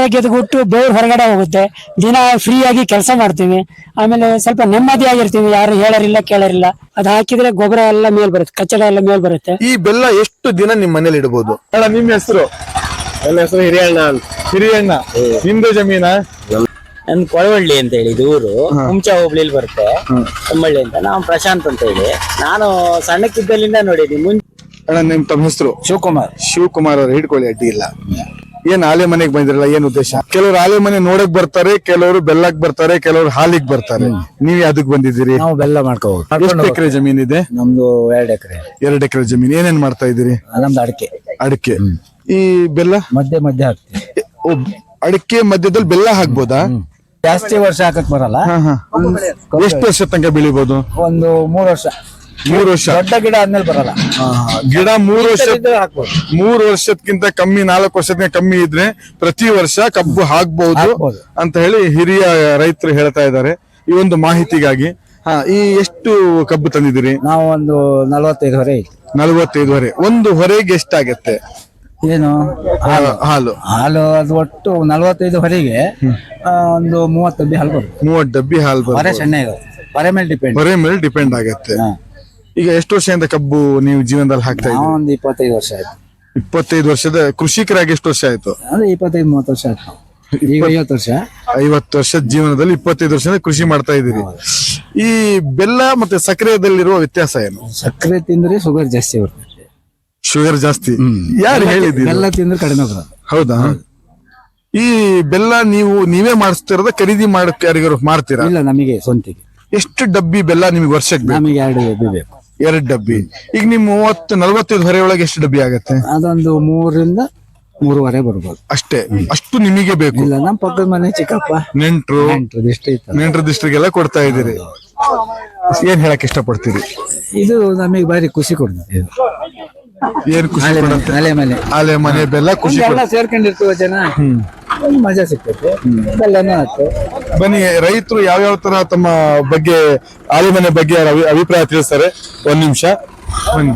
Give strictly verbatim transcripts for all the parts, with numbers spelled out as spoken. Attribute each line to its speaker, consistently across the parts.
Speaker 1: ಗೆದ್ಬಿಟ್ಟು ಬೆವ್ರು ಹೊರಗಡೆ ಹೋಗುತ್ತೆ. ದಿನ ಫ್ರೀ ಆಗಿ ಕೆಲಸ ಮಾಡ್ತೀವಿ. ಆಮೇಲೆ ಸ್ವಲ್ಪ ನೆಮ್ಮದಿಯಾಗಿರ್ತೀವಿ, ಯಾರು ಹೇಳರಿಲ್ಲ ಕೇಳರಿಲ್ಲ. ಅದ್ ಹಾಕಿದ್ರೆ ಗೊಬ್ಬರ ಎಲ್ಲ ಮೇಲ್ ಬರುತ್ತೆ, ಕಚ್ಚಡ ಎಲ್ಲ ಮೇಲ್ ಬರುತ್ತೆ.
Speaker 2: ಈ ಬೆಲ್ಲ ಎಷ್ಟು ದಿನ ನಿಮ್ ಮನೇಲಿ ಇಡಬಹುದು? ಅಲ್ಲ, ನಿಮ್ ಹೆಸರು?
Speaker 3: ನನ್ನ ಹೆಸರು ಹಿರಿಯಣ್ಣ ಅಂತ.
Speaker 2: ಹಿರಿಯಣ್ಣ. ನಿಮ್ದು ಜಮೀನ?
Speaker 3: ನನ್ ಕೊಳವಳ್ಳಿ ಅಂತ ಹೇಳಿ ಇದು ಊರು, ಹುಂಚಾ ಹೋಬ್ಳಿಲಿ ಬರುತ್ತೆ. ತಮ್ಮಳ್ಳಿ ಅಂತ. ನಾವು ಪ್ರಶಾಂತ್ ಅಂತ ಹೇಳಿ. ನಾನು ಸಣ್ಣಕ್ಕಿದ್ದಲ್ಲಿಂದ ನೋಡಿದೀನಿ. ಮುಂಚೆ
Speaker 2: ಅಣ್ಣ, ನಿಮ್ ತಮ್ಮ ಹೆಸರು?
Speaker 3: ಶಿವಕುಮಾರ್.
Speaker 2: ಶಿವಕುಮಾರ್ ಅವ್ರು. ಹಿಡ್ಕೊಳ್ಳಿ, ಅಡ್ಡಿ ಇಲ್ಲ. ಏನ್ ಆಲೆ ಮನೆಗ್ ಬಂದಿರಲ್ಲ, ಏನ್ ಉದ್ದೇಶ? ಕೆಲವರು ಆಲೆ ಮನೆ ನೋಡಕ್ ಬರ್ತಾರೆ, ಕೆಲವರು ಬೆಲ್ಲಕ್ ಬರ್ತಾರೆ, ಕೆಲವರು ಹಾಲಿಗೆ ಬರ್ತಾರೆ. ನೀವ್ ಯಾವ್ದಕ್ ಬಂದಿದ್ದೀರಿ?
Speaker 3: ನಾವು ಬೆಲ್ಲ ಮಾಡ್ಕೋಬಹುದು.
Speaker 2: ಎಷ್ಟು ಎಕರೆ ಜಮೀನ್ ಇದೆ?
Speaker 3: ನಮ್ದು ಎರಡ್ ಎಕರೆ.
Speaker 2: ಎರಡ್ ಎಕರೆ ಜಮೀನ್. ಏನೇನ್ ಮಾಡ್ತಾ ಇದ್ದೀರಿ?
Speaker 3: ನಮ್ದು ಅಡಿಕೆ.
Speaker 2: ಅಡಿಕೆ. ಈ ಬೆಲ್ಲ
Speaker 3: ಮಧ್ಯೆ ಮಧ್ಯೆ ಹಾಕ್ತೀವಿ.
Speaker 2: ಓ, ಅಡಿಕೆ ಮಧ್ಯದಲ್ಲಿ ಬೆಲ್ಲ ಹಾಕ್ಬೋದಾ?
Speaker 3: ಜಾಸ್ತಿ ವರ್ಷ ಹಾಕಕ್ ಬರಲ್ಲ.
Speaker 2: ಎಷ್ಟು ವರ್ಷ ತನಕ ಬೆಳಿಬಹುದು?
Speaker 3: ಒಂದು ಮೂರ್ ವರ್ಷ.
Speaker 2: ಮೂರು ವರ್ಷ.
Speaker 3: ದೊಡ್ಡ ಗಿಡ ಆದ್ಮೇಲೆ ಬರಲ್ಲ.
Speaker 2: ಗಿಡ ಮೂರು ವರ್ಷ
Speaker 3: ಹಾಕ್ಬೋದು.
Speaker 2: ಮೂರು ವರ್ಷಕ್ಕಿಂತ ಕಮ್ಮಿ, ನಾಲ್ಕು ವರ್ಷಕ್ಕಿಂತ ಕಮ್ಮಿ ಇದ್ರೆ ಪ್ರತಿ ವರ್ಷ ಕಬ್ಬು ಹಾಕ್ಬಹುದು ಅಂತ ಹೇಳಿ ಹಿರಿಯ ರೈತರು ಹೇಳ್ತಾ ಇದ್ದಾರೆ. ಈ ಒಂದು ಮಾಹಿತಿಗಾಗಿ. ಹಾ, ಈ ಎಷ್ಟು ಕಬ್ಬು ತಂದಿದ್ದೀರಿ?
Speaker 3: ನಾವು ಒಂದು ನಲವತ್ತೈದು ಹೊರೆ.
Speaker 2: ನಲವತ್ತೈದು ಹೊರೆ. ಒಂದು ಹೊರೆಗೆ ಎಷ್ಟಾಗತ್ತೆ?
Speaker 3: ಏನು
Speaker 2: ಹಾಲು? ಹಾಲು
Speaker 3: ಹಾಲು ಅದು ಒಟ್ಟು ನಲವತ್ತೈದು ಹೊರೆಗೆ ಒಂದು ಮೂವತ್ತು ಡಬ್ಬಿ ಹಾಲು ಬರುತ್ತೆ.
Speaker 2: ಮೂವತ್ತು ಡಬ್ಬಿ ಹಾಲು
Speaker 3: ಹೊರೆ
Speaker 2: ಬರುತ್ತೆ.
Speaker 3: ಸಣ್ಣ ಹೊರೆ ಮೇಲೆ ಡಿಪೆಂಡ್.
Speaker 2: ಹೊರೆ ಮೇಲೆ ಡಿಪೆಂಡ್ ಆಗತ್ತೆ. ಈಗ ಎಷ್ಟು ವರ್ಷದಿಂದ ಕಬ್ಬು ನೀವು ಜೀವನದಲ್ಲಿ ಹಾಕ್ತಾ ಇದ್ದೀರಿ?
Speaker 3: ಒಂದು ಇಪ್ಪತ್ತೈದು ವರ್ಷ ಆಯ್ತು.
Speaker 2: ಇಪ್ಪತ್ತೈದು ವರ್ಷದ ಕೃಷಿಕರಾಗಿ ಎಷ್ಟು ವರ್ಷ ಆಯ್ತು?
Speaker 3: ಅಂದ್ರೆ ಇಪ್ಪತ್ತೈದು ಮೂವತ್ತು ವರ್ಷ ಆಯ್ತು. ಈಗ ಐವತ್ತು ವರ್ಷ.
Speaker 2: ಐವತ್ತು ವರ್ಷದ ಜೀವನದಲ್ಲಿ ಇಪ್ಪತ್ತೈದು ವರ್ಷದಿಂದ ಕೃಷಿ ಮಾಡ್ತಾ ಇದ್ದೀರಿ. ಈ ಬೆಲ್ಲ ಮತ್ತೆ ಸಕ್ಕರೆದಲ್ಲಿರುವ ವ್ಯತ್ಯಾಸ ಏನು?
Speaker 3: ಸಕ್ಕರೆ ತಿಂದ್ರೆ ಶುಗರ್ ಜಾಸ್ತಿ ಬರ್ತದೆ.
Speaker 2: ಶುಗರ್ ಜಾಸ್ತಿ? ಯಾರು ಹೇಳಿದ್ದೀರಿ?
Speaker 3: ಬೆಲ್ಲ ತಿಂದ್ರೆ ಕಡಿಮೆ ಬರೋದು.
Speaker 2: ಹೌದಾ? ಈ ಬೆಲ್ಲ ನೀವು ನೀವೇ ಮಾಡಿಸ್ತಿರೋದ, ಖರೀದಿ ಮಾಡಕ್ಕೆ ಯಾರಿಗಾರು ಮಾರ್ತೀರಾ?
Speaker 3: ಇಲ್ಲ, ನಮಗೆ ಸ್ವಂತಿಗೆ.
Speaker 2: ಎಷ್ಟು ಡಬ್ಬಿ ಬೆಲ್ಲ ನಿಮಗೆ ವರ್ಷಕ್ಕೆ ಬೇಕು?
Speaker 3: ನಮಗೆ ಎರಡು ಡಬ್ಬಿ ಬೇಕು.
Speaker 2: ಎರಡು ಡಬ್ಬಿ. ಈಗ ನಿಮ್ ಮೂವತ್ತು ನಲವತ್ತೈದು ಹೊರೆ ಒಳಗೆ ಎಷ್ಟು ಡಬ್ಬಿ ಆಗತ್ತೆ?
Speaker 3: ಅದೊಂದು ಮೂರರಿಂದ ಮೂರುವರೆ ಬರ್ಬೋದು
Speaker 2: ಅಷ್ಟೇ. ಅಷ್ಟು ನಿಮಗೆ ಬೇಕು?
Speaker 3: ಇಲ್ಲ, ನಮ್ಮ ಪಕ್ಕದ ಮನೆ ಚಿಕ್ಕಪ್ಪ,
Speaker 2: ನೆಂಟ್ರು ನೆಂಟ್ರ ದಿಷ್ಟಿಗೆಲ್ಲ ಕೊಡ್ತಾ ಇದ್ದೀರಿ. ಏನ್ ಹೇಳಕ್ ಇಷ್ಟಪಡ್ತೀರಿ?
Speaker 3: ಇದು ನಮಗೆ ಬಾರಿ ಖುಷಿ ಕೊಡ್ತದೆ.
Speaker 2: ಏನ್ ಖುಷಿ ಕೊಡುತ್ತೆ?
Speaker 3: ಅಲೆ ಮನೆ
Speaker 2: ಆಲೆ ಮನೆ ಬೆಲ್ಲ ಖುಷಿ
Speaker 3: ಎಲ್ಲ ಸೇರ್ಕೊಂಡಿರ್ತೀವ ಜನ, ಒಂದು ಮಜಾ ಸಿಗ್ತೈತೆ. ಬೆಲ್ಲನೂ ಆಯ್ತು.
Speaker 2: ಬನ್ನಿ, ರೈತರು ಯಾವ್ಯಾವ ತರ ತಮ್ಮ ಬಗ್ಗೆ, ಆಲೆ ಮನೆ ಬಗ್ಗೆ ಅಭಿ- ಅಭಿಪ್ರಾಯ ತಿಳಿಸ್ತಾರೆ. ಒಂದ್ ನಿಮಿಷ ಬನ್ನಿ.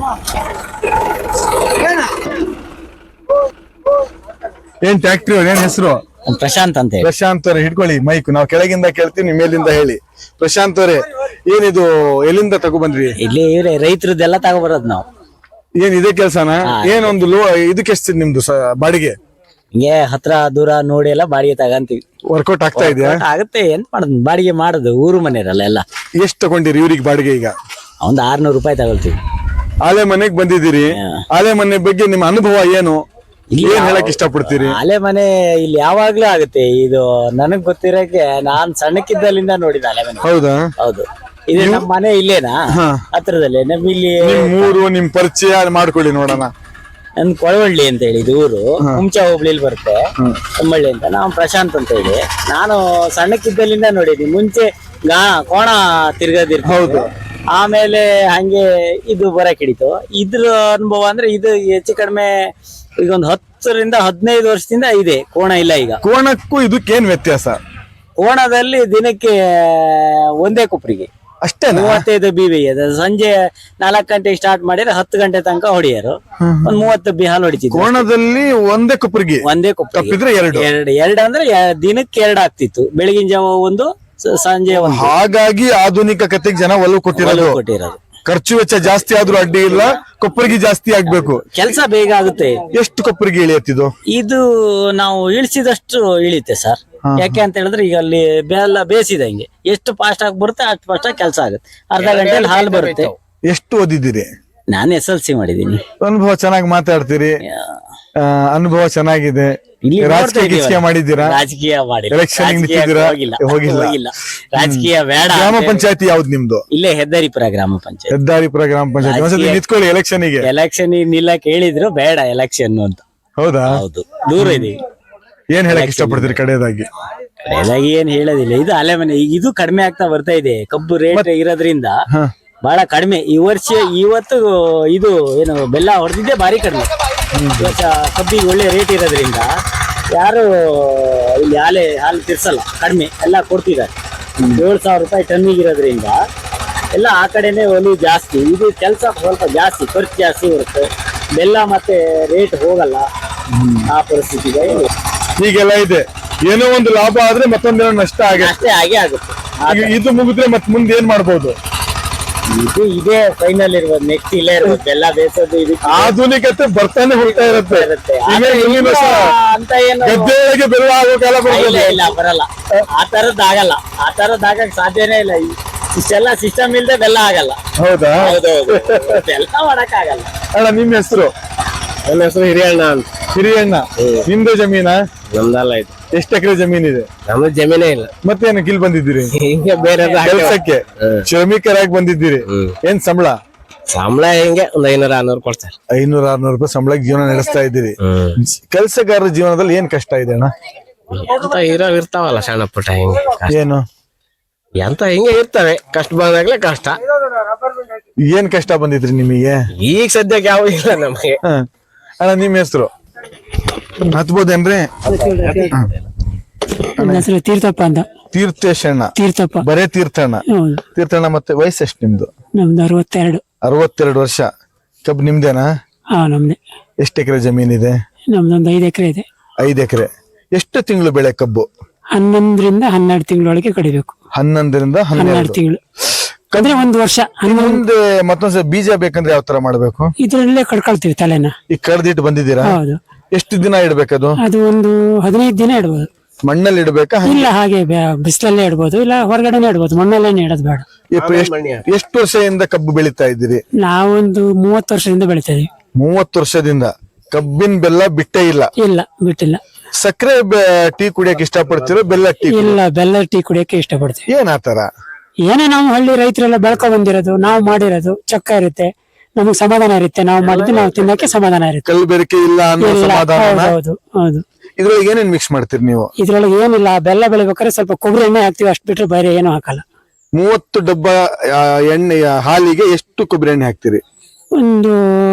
Speaker 2: ಏನ್ ಟ್ಯಾಕ್ಟ್ರಿ ಅವ್ರ ಏನ್ ಹೆಸರು?
Speaker 3: ಪ್ರಶಾಂತ್ ಅಂತ ಹೇಳಿ.
Speaker 2: ಪ್ರಶಾಂತ್ ಅವರೇ, ಹಿಡ್ಕೊಳ್ಳಿ ಮೈಕ್. ನಾವು ಕೆಳಗಿಂದ ಕೇಳ್ತೀವಿ, ನಿಮ್ಮ ಮೇಲಿಂದ ಹೇಳಿ. ಪ್ರಶಾಂತ್ ಅವರೇ, ಏನಿದು ಎಲ್ಲಿಂದ ತಗೊಬಂದ್ರಿ?
Speaker 3: ಇಲ್ಲಿ ಇವ್ರೆ ರೈತರದ್ದೆಲ್ಲ ತಗೊಬರೋದು ನಾವು.
Speaker 2: ಏನ್ ಇದೇ ಕೆಲ್ಸನ? ಏನೊಂದು ಲೋ ಇದಕ್ಕೆ ಎಷ್ಟು ನಿಮ್ದು ಬಾಡಿಗೆ?
Speaker 3: ಹಿಂಗೆ ಹತ್ರ ದೂರ ನೋಡಿ ಎಲ್ಲ ಬಾಡಿಗೆ ತಗಂತೀವಿ.
Speaker 2: ವರ್ಕೌಟ್ ಆಗ್ತಾ ಇದೆಯಾ?
Speaker 3: ಆಗುತ್ತೆ. ಎಂತ ಮಾಡೋದು, ಬಾಡಿಗೆ ಮಾಡೋದು. ಊರು ಮನೆಯರಲ್ಲ ಎಲ್ಲ.
Speaker 2: ಎಷ್ಟು ತಗೊಂಡಿರಿ ಇವ್ರಿಗೆ ಬಾಡಿಗೆ? ಈಗ
Speaker 3: ಒಂದ್ ಆರ್ನೂರು ರೂಪಾಯಿ ತಗೊಳ್ತೀವಿ.
Speaker 2: ಆಲೆ ಮನೆಗ್ ಬಂದಿದ್ದೀರಿ. ಆಲೆ ಮನೆ ಬಗ್ಗೆ ನಿಮ್ಮ ಅನುಭವ ಏನು? ಏನ್ ಹೇಳಕ್ ಇಷ್ಟಪಡ್ತೀರಿ?
Speaker 3: ಆಲೆ ಮನೆ ಇಲ್ಲಿ ಯಾವಾಗ್ಲೂ ಆಗುತ್ತೆ. ಇದು ನನಗ್ ಗೊತ್ತಿರೋಕೆ ನಾನ್ ಸಣ್ಣಕ್ಕಿದ್ದಲ್ಲಿಂದ ನೋಡಿದ ಆಲೆ ಮನೆ.
Speaker 2: ಹೌದಾ?
Speaker 3: ಹೌದು. ಇದು ನಮ್ಮ ಮನೆ ಇಲ್ಲೇನಾ, ಹತ್ರದಲ್ಲೇ. ನಮ್ ಇಲ್ಲಿ
Speaker 2: ನಿಮ್ ಊರು, ನಿಮ್ ಪರಿಚಯ ಮಾಡ್ಕೊಳ್ಳಿ ನೋಡೋಣ.
Speaker 3: ನನ್ ಕೊಳವಳ್ಳಿ ಅಂತ ಹೇಳಿ ಇದು ಊರು, ಹುಂಚಾ ಹೋಬ್ಳಿಲಿ ಬರುತ್ತೆ. ತಮ್ಮಳ್ಳಿ ಅಂತ. ನಾವು ಪ್ರಶಾಂತ್ ಅಂತ ಹೇಳಿ. ನಾನು ಸಣ್ಣಕ್ಕಿದ್ದಲ್ಲಿಂದ ನೋಡಿದೀನಿ. ಮುಂಚೆ ಗಾ ಕೋಣ ತಿರ್ಗದಿರ್ತ.
Speaker 2: ಹೌದು.
Speaker 3: ಆಮೇಲೆ ಹಂಗೆ ಇದು ಬರಕ್ ಹಿಡಿತು. ಇದ್ರ ಅನುಭವ ಅಂದ್ರೆ ಇದು ಹೆಚ್ಚು ಕಡಿಮೆ ಈಗ ಒಂದು ಹತ್ತರಿಂದ ಹದಿನೈದು ವರ್ಷದಿಂದ ಇದೆ. ಕೋಣ ಇಲ್ಲ ಈಗ.
Speaker 2: ಕೋಣಕ್ಕೂ ಇದಕ್ಕೇನ್ ವ್ಯತ್ಯಾಸ?
Speaker 3: ಕೋಣದಲ್ಲಿ ದಿನಕ್ಕೆ ಒಂದೇ ಕೊಪ್ರಿಗೆ
Speaker 2: ಅಷ್ಟೇ.
Speaker 3: ಮೂವತ್ತೈದು ಬಿವಿ ಅದು. ಸಂಜೆ ನಾಲ್ಕು ಗಂಟೆಗೆ ಸ್ಟಾರ್ಟ್ ಮಾಡಿದ್ರೆ ಹತ್ತು ಗಂಟೆ ತನಕ ಹೊಡಿಯರು. ಒಂದ್ ಮೂವತ್ತು ಬಿ ಹಾಲು ಹೊಡಿತಿದ್ರು.
Speaker 2: ಕೋಣದಲ್ಲಿ ಒಂದೇ ಕೊಪ್ಪರಿಗೆ?
Speaker 3: ಒಂದೇ ಕೊಪ್ಪರಿಗೆ.
Speaker 2: ಎರಡು
Speaker 3: ಎರಡು ಎರಡು ಅಂದ್ರೆ ದಿನಕ್ಕೆ ಎರಡು ಆಗ್ತಿತ್ತು. ಬೆಳಗಿನ ಜಾವ ಒಂದು, ಸಂಜೆ ಒಂದು.
Speaker 2: ಹಾಗಾಗಿ ಆಧುನಿಕ ಕತೆಗೆ ಜನ ಒಲವು ಕೊಟ್ಟಿರೋದು.
Speaker 3: ಕೊಟ್ಟಿರೋದು.
Speaker 2: ಖರ್ಚು ವೆಚ್ಚ ಜಾಸ್ತಿ ಆದ್ರೂ ಅಡ್ಡಿ ಇಲ್ಲ, ಕೊಪ್ಪರಿಗೆ ಜಾಸ್ತಿ ಆಗ್ಬೇಕು.
Speaker 3: ಕೆಲಸ ಬೇಗ ಆಗುತ್ತೆ.
Speaker 2: ಎಷ್ಟು ಕೊಪ್ಪರಿಗೆ ಇಳಿಯತ್ತಿದ್ದು?
Speaker 3: ಇದು ನಾವು ಇಳಿಸಿದಷ್ಟು ಇಳಿತೆ ಸರ್. ಯಾಕೆ ಅಂತ ಹೇಳಿದ್ರೆ ಈಗ ಅಲ್ಲಿ ಬೆಲ್ಲ ಬೇಸಿದಂಗೆ ಎಷ್ಟು ಫಾಸ್ಟ್ ಆಗಿ ಬರುತ್ತೆ ಅಷ್ಟು ಫಾಸ್ಟ್ ಆಗಿ ಕೆಲಸ ಆಗುತ್ತೆ. ಅರ್ಧ ಗಂಟೆಯಲ್ಲಿ ಹಾಲು ಬರುತ್ತೆ.
Speaker 2: ಎಷ್ಟು ಓದಿದ್ದೀರಿ?
Speaker 3: ನಾನು ಎಸ್ ಎಲ್ ಸಿ ಮಾಡಿದೀನಿ.
Speaker 2: ಅನುಭವ ಚೆನ್ನಾಗಿ ಮಾತಾಡ್ತೀರಿ. ಅನುಭವ ಚೆನ್ನಾಗಿದೆ. ರಾಜಕೀಯ ಮಾಡಿದ್ದೀರಾ?
Speaker 3: ರಾಜಕೀಯ ಮಾಡಿ
Speaker 2: ಎಲೆಕ್ಷನ್ ನಿಂತಿದ್ದೀರಾ?
Speaker 3: ಹೋಗಿಲ್ಲ. ರಾಜಕೀಯ ಬೇಡ.
Speaker 2: ಗ್ರಾಮ ಪಂಚಾಯತಿ ಯಾವ್ದು ನಿಮ್ದು?
Speaker 3: ಇಲ್ಲೇ ಹೆದ್ದಾರಿಪುರ ಗ್ರಾಮ ಪಂಚಾಯತ್.
Speaker 2: ಹೆದ್ದಾರಿಪುರ ಗ್ರಾಮ ಪಂಚಾಯತಿ. ಒಂದ್ಸತಿ ನಿಂತ್ಕೊಳ್ಳಿ ಎಲೆಕ್ಷನ್ ಗೆ.
Speaker 3: ಎಲೆಕ್ಷನ್ ನಿಲ್ಲಕ್ ಹೇಳಿದ್ರು ಬೇಡ ಎಲೆಕ್ಷನ್ ಅಂತ.
Speaker 2: ಹೌದಾ?
Speaker 3: ಹೌದು, ದೂರ ಇದೀವಿ.
Speaker 2: ಏನ್ ಹೇಳಕ್ ಇಷ್ಟಪಡ್ತೀರಿ ಕಡೆಯದಾಗಿ?
Speaker 3: ಕಡೆಯದಾಗಿ ಏನ್ ಹೇಳೋದಿಲ್ಲ. ಇದು ಅಲೆ ಮನೆ. ಈಗ ಇದು ಕಡಿಮೆ ಆಗ್ತಾ ಬರ್ತಾ ಇದೆ. ಕಬ್ಬು ರೇಟ್ ಇರೋದ್ರಿಂದ ಬಹಳ ಕಡಿಮೆ ಈ ವರ್ಷ. ಇವತ್ತು ಇದು ಏನು ಬೆಲ್ಲ ಹೊಡೆದಿದ್ದೆ ಭಾರಿ ಕಡಿಮೆ. ಇವತ್ತ ಕಬ್ಬಿಗೆ ಒಳ್ಳೆ ರೇಟ್ ಇರೋದ್ರಿಂದ ಯಾರು ಇಲ್ಲಿ ಹಾಲೆ ಹಾಲು ತಿರ್ಸಲ್ಲ. ಕಡಿಮೆ ಎಲ್ಲ ಕೊಡ್ತಿದ್ದಾರೆ. ಏಳು ಸಾವಿರ ರೂಪಾಯಿ ಟನ್ನಿಗೆ ಇರೋದ್ರಿಂದ ಎಲ್ಲ ಆ ಕಡೆನೆ ಒಲವು ಜಾಸ್ತಿ. ಇದು ಕೆಲಸ ಸ್ವಲ್ಪ ಜಾಸ್ತಿ, ಖರ್ಚು ಜಾಸ್ತಿ ಬರುತ್ತೆ. ಬೆಲ್ಲ ಮತ್ತೆ ರೇಟ್ ಹೋಗಲ್ಲ. ಆ ಪರಿಸ್ಥಿತಿ ಇದೆ.
Speaker 2: ಹೀಗೆಲ್ಲ ಇದೆ. ಏನೋ ಒಂದು ಲಾಭ ಆದ್ರೆ ಮತ್ತೊಂದೇನೋ ನಷ್ಟ ಆಗುತ್ತೆ.
Speaker 3: ಅಷ್ಟೇ ಹಾಗೆ ಆಗುತ್ತೆ.
Speaker 2: ಈಗ ಇದು ಮುಗಿದ್ರೆ ಮತ್ ಮುಂದೆ ಏನ್ ಮಾಡ್ಬೋದು?
Speaker 3: ಇದು ಇದೇ ಫೈನಲ್ ಇರ್ಬೋದು, ನೆಕ್ಸ್ಟ್ ಇಲ್ಲೇ ಇರ್ಬೋದು. ಬೆಲ್ಲ ಬೇಸೋದು ಇದಕ್ಕೆ
Speaker 2: ಆಧುನಿಕತೆ ಬರ್ತಾನೆ ಹೋಗ್ತಾ ಇರುತ್ತೆ.
Speaker 3: ಇರುತ್ತೆ.
Speaker 2: ಈಗ
Speaker 3: ಆದ್ರೆ
Speaker 2: ಮುಂದಿನ
Speaker 3: ಈಗ
Speaker 2: ವರ್ಷ
Speaker 3: ಅಂತ ಏನು
Speaker 2: ಗದ್ದೆಯೊಳಗೆ ಬೆಲ್ಲ ಆಗೋ ಕಾಲ
Speaker 3: ಇಲ್ಲ
Speaker 2: ಬರ್ಬೋದು.
Speaker 3: ಇಲ್ಲ ಬರಲ್ಲ. ಆ ತರದ್ ಆಗಲ್ಲ, ಆ ತರದ್ ಆಗಕ್ ಸಾಧ್ಯನೇ ಇಲ್ಲ. ಈ- ಇಷ್ಟೆಲ್ಲ ಸಿಸ್ಟಮ್ ಇಲ್ದೆ ಬೆಲ್ಲ ಆಗಲ್ಲ.
Speaker 2: ಹೌದಾ?
Speaker 3: ಹೌದೌದು, ಬೆಲ್ಲ ಮಾಡಕ್ ಆಗಲ್ಲ.
Speaker 2: ಅಣ್ಣ ನಿಮ್ ಹೆಸರು?
Speaker 4: ನನ್ನ ಹೆಸರು ಹಿರಿಯಣ್ಣ ಅಂತ.
Speaker 2: ಹಿರಿಯಣ್ಣ. ನಿಮ್ದು ಜಮೀನ?
Speaker 4: ನಮ್ದಲ್ಲ ಇದು.
Speaker 2: ಎಷ್ಟು ಎಕರೆ ಜಮೀನಿದೆ?
Speaker 4: ನಮ್ದು ಜಮೀನೇ ಇಲ್ಲ.
Speaker 2: ಮತ್ತೇನು ಕಿಲ್ ಬಂದಿದ್ದೀರಿ?
Speaker 4: ಹಿಂಗೆ ಬೇರೆ
Speaker 2: ಕೆಲಸಕ್ಕೆ ಶ್ರಮಿಕರಾಗಿ ಬಂದಿದ್ದೀರಿ. ಏನ್ ಸಂಬಳ?
Speaker 4: ಸಂಬಳ ಹೆಂಗೆ ಒಂದ್ ಐನೂರ ಆರ್ನೂರು ಕೊಡ್ತಾರೆ.
Speaker 2: ಐನೂರ ಆರ್ನೂರು ರೂಪಾಯಿ ಸಂಬಳಕ್ಕೆ ಜೀವನ ನಡೆಸ್ತಾ ಇದ್ದೀರಿ. ಕೆಲಸಗಾರರ ಜೀವನದಲ್ಲಿ ಏನ್ ಕಷ್ಟ ಇದೆ ಅಣ್ಣ?
Speaker 4: ಎಂತ ಇರೋ ಇರ್ತಾವಲ್ಲ ಸಣ್ಣ ಪುಟ್ಟ ಹಿಂಗೆ ಕಷ್ಟ.
Speaker 2: ಏನು
Speaker 4: ಎಂತ ಹಿಂಗೆ ಇರ್ತವೆ, ಕಷ್ಟ ಬಂದಾಗ್ಲೇ ಕಷ್ಟ.
Speaker 2: ಏನ್ ಕಷ್ಟ ಬಂದಿದ್ರಿ ನಿಮಗೆ?
Speaker 4: ಈಗ ಸದ್ಯಕ್ಕೆ ಯಾವ ಇಲ್ಲ ನಮಗೆ.
Speaker 2: ಹ. ಅಣ್ಣ ನಿಮ್ ಹೆಸರು ಹತ್ಬೋದೇನ್ರಿ?
Speaker 1: ನನ್ನ ಹೆಸರು ತೀರ್ಥಪ್ಪ ಅಂತ.
Speaker 2: ತೀರ್ಥೇಶಣ್ಣ.
Speaker 1: ತೀರ್ಥಪ್ಪ.
Speaker 2: ಬರೇ ತೀರ್ಥಣ್ಣ.
Speaker 1: ಹೌದು.
Speaker 2: ತೀರ್ಥಣ್ಣ. ಮತ್ತೆ ವಯಸ್ಸು ಎಷ್ಟು ನಿಮ್ದು?
Speaker 1: ನಮ್ದು ಅರವತ್ತೆರಡು.
Speaker 2: ಅರವತ್ತೆರಡು ವರ್ಷ. ಕಬ್ಬು ನಿಮ್ದೇನಾ?
Speaker 1: ಹಾ ನಮ್ದೆ.
Speaker 2: ಎಷ್ಟು ಎಕರೆ ಜಮೀನಿದೆ?
Speaker 1: ನಮ್ದೊಂದು ಐದು ಎಕರೆ ಇದೆ.
Speaker 2: ಐದು ಎಕರೆ. ಎಷ್ಟು ತಿಂಗಳು ಬೆಳೆ ಕಬ್ಬು?
Speaker 1: ಹನ್ನೊಂದರಿಂದ ಹನ್ನೆರಡು ತಿಂಗಳೊಳಗೆ ಕಡಿಬೇಕು.
Speaker 2: ಹನ್ನೊಂದರಿಂದ
Speaker 1: ಹನ್ನೆರಡು
Speaker 2: ಹನ್ನೆರಡು
Speaker 1: ತಿಂಗಳು ಅಂದ್ರೆ ಒಂದು ವರ್ಷ. ಹನ್ನೊಂದು
Speaker 2: ಮುಂದೆ ಮತ್ತೊಂದ್ಸಲ ಬೀಜ ಬೇಕಂದ್ರೆ ಯಾವ ತರ ಮಾಡ್ಬೇಕು?
Speaker 1: ಇದ್ರಲ್ಲೇ ಕಡ್ಕೊಳ್ತೀವಿ ತಲೆನ.
Speaker 2: ಈಗ ಕಡ್ದಿಟ್ಟು ಬಂದಿದ್ದೀರಾ?
Speaker 1: ಹೌದು.
Speaker 2: ಎಷ್ಟು ದಿನ ಇಡ್ಬೇಕದು?
Speaker 1: ಅದು ಒಂದು ಹದಿನೈದು ದಿನ ಇಡ್ಬೋದು.
Speaker 2: ಮಣ್ಣಲ್ಲಿ ಇಡ್ಬೇಕಾ?
Speaker 1: ಇಲ್ಲ ಹಾಗೆ ಬೆ- ಬಿಸಿಲಲ್ಲೇ ಇಡ್ಬೋದು, ಇಲ್ಲ ಹೊರಗಡೆನೆ ಇಡ್ಬೋದು. ಮಣ್ಣಲ್ಲೇ ಇಡೋದು ಬೇಡ.
Speaker 2: ಎಷ್ಟು- ಎಷ್ಟು- ಎಷ್ಟು ವರ್ಷದಿಂದ ಕಬ್ಬು ಬೆಳೀತಾ ಇದ್ದೀರಿ?
Speaker 1: ನಾವೊಂದು ಮೂವತ್ತು ವರ್ಷದಿಂದ ಬೆಳಿತಾ ಇದೀವಿ.
Speaker 2: ಮೂವತ್ತು ವರ್ಷದಿಂದ ಕಬ್ಬಿನ ಬೆಲ್ಲ ಬಿಟ್ಟೇ ಇಲ್ಲ.
Speaker 1: ಇಲ್ಲ ಬಿಟ್ಟಿಲ್ಲ.
Speaker 2: ಸಕ್ಕರೆ ಟೀ ಕುಡಿಯಕ್ಕೆ ಇಷ್ಟಪಡ್ತಿರೋ ಬೆಲ್ಲ ಟೀ?
Speaker 1: ಇಲ್ಲ ಬೆಲ್ಲ ಟೀ ಕುಡಿಯಕ್ಕೆ ಇಷ್ಟಪಡ್ತೀವಿ.
Speaker 2: ಏನ್ ಆತರ?
Speaker 1: ಏನೇ ನಾವು ಹಳ್ಳಿ ರೈತರೆಲ್ಲ ಬೆಳ್ಕೊ ಬಂದಿರೋದು, ನಾವು ಮಾಡಿರೋದು ಚೊಕ್ಕ ಇರುತ್ತೆ, ನಮಗ್ ಸಮಾಧಾನ ಇರುತ್ತೆ. ನಾವು ಮಾಡಿದ್ದು ನಾವು ತಿನ್ನಕ್ಕೆ ಸಮಾಧಾನ ಇರುತ್ತೆ.
Speaker 2: ಕಲ್ಲು ಬೆರಕೆ ಇಲ್ಲ ಅನ್ನೋ
Speaker 1: ಇಲ್ಲ,
Speaker 2: ಸಮಾಧಾನ.
Speaker 1: ಹೌದು ಹೌದು.
Speaker 2: ಇದ್ರೊಳಗೆ ಏನೇನ್ ಮಿಕ್ಸ್ ಮಾಡ್ತೀರಿ ನೀವು?
Speaker 1: ಇದ್ರೊಳಗೆ ಏನಿಲ್ಲ, ಬೆಲ್ಲ ಬೆಳಿಬೇಕಾದ್ರೆ ಸ್ವಲ್ಪ ಕೊಬ್ಬರಿ ಎಣ್ಣೆ ಹಾಕ್ತಿವಿ, ಅಷ್ಟು ಬಿಟ್ರೆ ಬೇರೆ ಏನು ಹಾಕಲ್ಲ.
Speaker 2: ಮೂವತ್ತು ಡಬ್ಬ ಆ, ಎಣ್ಣೆ ಆ, ಹಾಲಿಗೆ ಎಷ್ಟು ಕೊಬ್ಬರಿ ಎಣ್ಣೆ ಹಾಕ್ತಿರಿ?
Speaker 1: ಒಂದು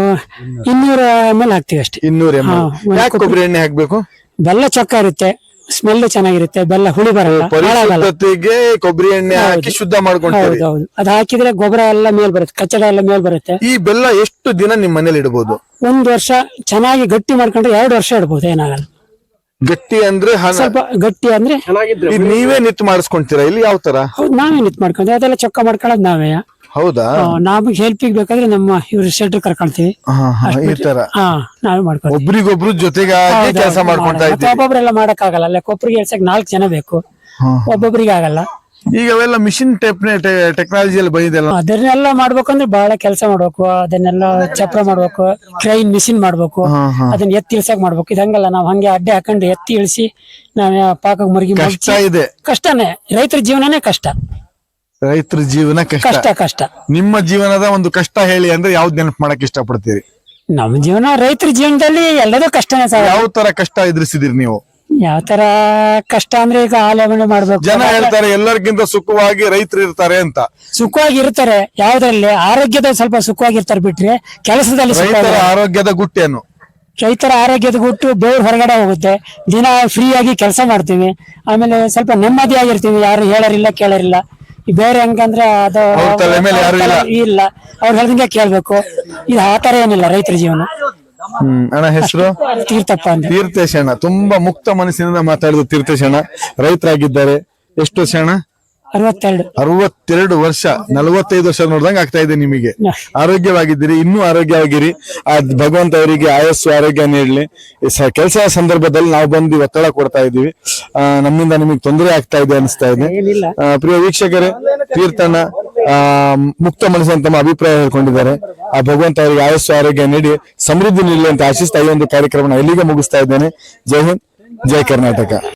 Speaker 1: ಇನ್ನೂರ ಎಮ್ ಎಲ್ ಹಾಕ್ತಿವಿ ಅಷ್ಟೇ.
Speaker 2: ಇನ್ನೂರ ಎಮ್
Speaker 1: ಹಾ, ಒಂದು
Speaker 2: ಯಾಕೆ ಕೊಬ್ಬರಿ ಎಣ್ಣೆ ಹಾಕ್ಬೇಕು?
Speaker 1: ಬೆಲ್ಲ ಚೊಕ್ಕ ಇರುತ್ತೆ, ಸ್ಮೆಲ್ ಚೆನ್ನಾಗಿರುತ್ತೆ, ಬೆಲ್ಲ ಹುಳಿ ಬರಲ್ಲ, ಹಾಳಾಗಲ್ಲ.
Speaker 2: ಪರಿಶುದ್ಧತೆಗೆ ಕೊಬ್ಬರಿ ಎಣ್ಣೆ ಹಾಕಿ ಶುದ್ಧ ಮಾಡ್ಕೊಂತೀರಿ.
Speaker 1: ಹೌದು ಹೌದು. ಅದ್ ಹಾಕಿದ್ರೆ ಗೊಬ್ಬರ ಎಲ್ಲ ಮೇಲ್ ಬರುತ್ತೆ, ಕಚ್ಚಡ ಎಲ್ಲ ಮೇಲ್ ಬರುತ್ತೆ.
Speaker 2: ಈ ಬೆಲ್ಲ ಎಷ್ಟು ದಿನ ನಿಮ್ ಮನೇಲಿ ಇಡಬಹುದು?
Speaker 1: ಒಂದ್ ವರ್ಷ ಚೆನ್ನಾಗಿ ಗಟ್ಟಿ ಮಾಡ್ಕೊಂಡ್ರೆ ಎರಡು ವರ್ಷ ಇಡ್ಬೋದು, ಏನಾಗಲ್ಲ.
Speaker 2: ಗಟ್ಟಿ ಅಂದ್ರೆ ಹಣ-
Speaker 1: ಸ್ವಲ್ಪ ಗಟ್ಟಿ ಅಂದ್ರೆ
Speaker 2: ಇದ್ ನೀವೇ ನಿತ್ ಮಾಡಿಸ್ಕೊಂತೀರಾ ಇಲ್ಲಿ? ಯಾವ ತರ?
Speaker 1: ಹೌದು, ನಾವೇ ನಿಂತ್ ಮಾಡ್ಕೊಂಡ್ವಿ. ಅದೆಲ್ಲ ಚೊಕ್ಕ ಮಾಡ್ಕೊಳ್ಳೋದು ನಾವೇ.
Speaker 2: ಹೌದಾ?
Speaker 1: ನಮಗೆ ಹೆಲ್ಪಿಗೆ ಬೇಕಾದ್ರೆ ನಮ್ಮ ಇವ್ರ ಶೆಟ್ರ್ ಕರ್ಕೊಳ್ತೀವಿ.
Speaker 2: ಹಾ, ಹಾ, ಈ ತರ
Speaker 1: ಹಾ ನಾವೇ ಮಾಡ್ಕೊಳ್ತೀವಿ.
Speaker 2: ಒಬ್ರಿಗೊಬ್ರು ಜೊತೆಗಾಗಿ ಕೆಲಸ ಮಾಡ್ಕೊಂತಾ
Speaker 1: ಮತ್ತೆ
Speaker 2: ಇದ್ದೀವಿ.
Speaker 1: ಒಬ್ಬೊಬ್ರೆಲ್ಲ ಮಾಡಕ್ ಆಗಲ್ಲ, ಅಲ್ಲ ಕೊಬ್ಬರಿಗೆ ಎಲ್ಸಕ್ ನಾಲ್ಕು ಜನ ಬೇಕು, ಒಬ್ಬೊಬ್ರಿಗೆ ಆಗಲ್ಲ.
Speaker 2: ಈಗ ಅವೆಲ್ಲ ಮಿಷಿನ್ ಟೈಪ್ ಟೆಕ್ನಾಲಜಿಯಲ್ಲಿ ಬಂದಿದೆಲ್ಲ.
Speaker 1: ಅದನ್ನೆಲ್ಲ ಮಾಡ್ಬೇಕಂದ್ರೆ ಬಹಳ ಕೆಲಸ ಮಾಡ್ಬೇಕು. ಅದನ್ನೆಲ್ಲ ಚಪ್ರ ಮಾಡ್ಬೇಕು, ಕ್ರೈನ್ ಮಿಷಿನ್ ಮಾಡ್ಬೇಕು, ಅದನ್ನ ಎತ್ತಿ ಇಳ್ಸಕ್ ಮಾಡ್ಬೇಕು. ಇದಂಗಲ್ಲ, ನಾವ್ ಹಂಗೆ ಅಡ್ಡೆ ಹಾಕೊಂಡು ಎತ್ತಿ ಇಳಿಸಿ ನಾವ್ ಪಾಕಕ್ ಮುರುಗಿ
Speaker 2: ಕಷ್ಟ ಇದೆ.
Speaker 1: ಕಷ್ಟನೇ, ರೈತರ ಜೀವನನೇ ಕಷ್ಟ.
Speaker 2: ರೈತರ ಜೀವನ ಕಷ್ಟ.
Speaker 1: ಕಷ್ಟ ಕಷ್ಟ.
Speaker 2: ನಿಮ್ಮ ಜೀವನದ ಒಂದು ಕಷ್ಟ ಹೇಳಿ ಅಂದ್ರೆ ಯಾವ್ದು ನೆನಪು ಮಾಡಕ್ ಇಷ್ಟಪಡ್ತೀರಿ?
Speaker 1: ನಮ್ಮ ಜೀವನ ರೈತರ ಜೀವನದಲ್ಲಿ ಎಲ್ಲದೂ ಕಷ್ಟನೇ ಸರ್.
Speaker 2: ಯಾವ ತರ ಕಷ್ಟ ಎದುರಿಸಿದಿರಿ ನೀವು?
Speaker 1: ಯಾವ ತರ ಕಷ್ಟ ಅಂದ್ರೆ ಈಗ ಆಲೋಚನೆ ಮಾಡ್ಬೇಕು.
Speaker 2: ಜನ ಹೇಳ್ತಾರೆ ಎಲ್ಲರಿಗಿಂತ ಸುಖವಾಗಿ ರೈತರು ಇರ್ತಾರೆ ಅಂತ.
Speaker 1: ಸುಖವಾಗಿ ಇರ್ತಾರೆ ಯಾವ್ದ್ರಲ್ಲಿ? ಆರೋಗ್ಯದಲ್ಲಿ ಸ್ವಲ್ಪ ಸುಖವಾಗಿರ್ತಾರೆ ಬಿಟ್ರೆ ಕೆಲಸದಲ್ಲಿ ಸುಖ
Speaker 2: ರೈತರ
Speaker 1: ಇಲ್ಲ.
Speaker 2: ಆರೋಗ್ಯದ ಗುಟ್ಟೇನು?
Speaker 1: ರೈತರ ಆರೋಗ್ಯದ ಗುಟ್ಟು ಬೆವ್ರು ಹೊರಗಡೆ ಹೋಗುತ್ತೆ. ದಿನ ಫ್ರೀ ಆಗಿ ಕೆಲಸ ಮಾಡ್ತೀವಿ, ಆಮೇಲೆ ಸ್ವಲ್ಪ ನೆಮ್ಮದಿಯಾಗಿರ್ತೀವಿ. ಯಾರು ಹೇಳರಿಲ್ಲ ಕೇಳರಿಲ್ಲ. ಈ ಬೇರೆ ಹೆಂಗಂದ್ರೆ ಅದು
Speaker 2: ಅವ್ರ ತಲೆ ಮೇಲೆ ಯಾರು ಇಲ್ಲ.
Speaker 1: ಇಲ್ಲ, ಅವ್ರು ಹೇಳ್ದಂಗೆ ಕೇಳ್ಬೇಕು. ಇದು ಆ ತರ ಏನಿಲ್ಲ ರೈತರ ಜೀವನ.
Speaker 2: ಹ್ಮ್. ಅಣ್ಣ ಹೆಸರು?
Speaker 1: ತೀರ್ಥಪ್ಪ ಅಂತ.
Speaker 2: ತೀರ್ಥೇಶಣ್ಣ. ತುಂಬಾ ಮುಕ್ತ ಮನಸ್ಸಿನಿಂದ ಮಾತಾಡಿದ ತೀರ್ಥೇಶಣ್ಣ ರೈತರಾಗಿದ್ದಾರೆ. ಎಷ್ಟು ವರ್ಷ ಅಣ್ಣ?
Speaker 1: ಅರವತ್ತೆರಡು.
Speaker 2: ಅರವತ್ತೆರಡು ವರ್ಷ. ನಲವತ್ತೈದು ವರ್ಷ ನೋಡ್ದಂಗ ಆಗ್ತಾ ಇದೆ ನಿಮಗೆ. ಆರೋಗ್ಯವಾಗಿದ್ದೀರಿ, ಇನ್ನೂ ಆರೋಗ್ಯವಾಗಿರಿ. ಆ ಭಗವಂತ ಅವರಿಗೆ ಆಯಸ್ಸು ಆರೋಗ್ಯ ನೀಡಲಿ. ಕೆಲಸ ಸಂದರ್ಭದಲ್ಲಿ ನಾವು ಬಂದು ಒತ್ತಡ ಕೊಡ್ತಾ ಇದೀವಿ, ಆ ನಮ್ಮಿಂದ ನಿಮಗೆ ತೊಂದರೆ ಆಗ್ತಾ ಇದೆ ಅನಿಸ್ತಾ ಇದೆ. ಆ, ಪ್ರಿಯ ವೀಕ್ಷಕರೇ, ತೀರ್ಥಣ್ಣ ಆ ಮುಕ್ತ ಮನಸ್ಸು ತಮ್ಮ ಅಭಿಪ್ರಾಯ ಹೇಳ್ಕೊಂಡಿದ್ದಾರೆ. ಆ ಭಗವಂತ ಅವರಿಗೆ ಆಯಸ್ಸು ಆರೋಗ್ಯ ನೀಡಿ ಸಮೃದ್ಧಿ ನೀಡಲಿ ಅಂತ ಆಶಿಸ್ತಾ ಈ ಒಂದು ಕಾರ್ಯಕ್ರಮ ಎಲ್ಲಿಗೆ ಮುಗಿಸ್ತಾ ಇದ್ದೇನೆ. ಜೈ ಹಿಂದ್, ಜೈ ಕರ್ನಾಟಕ.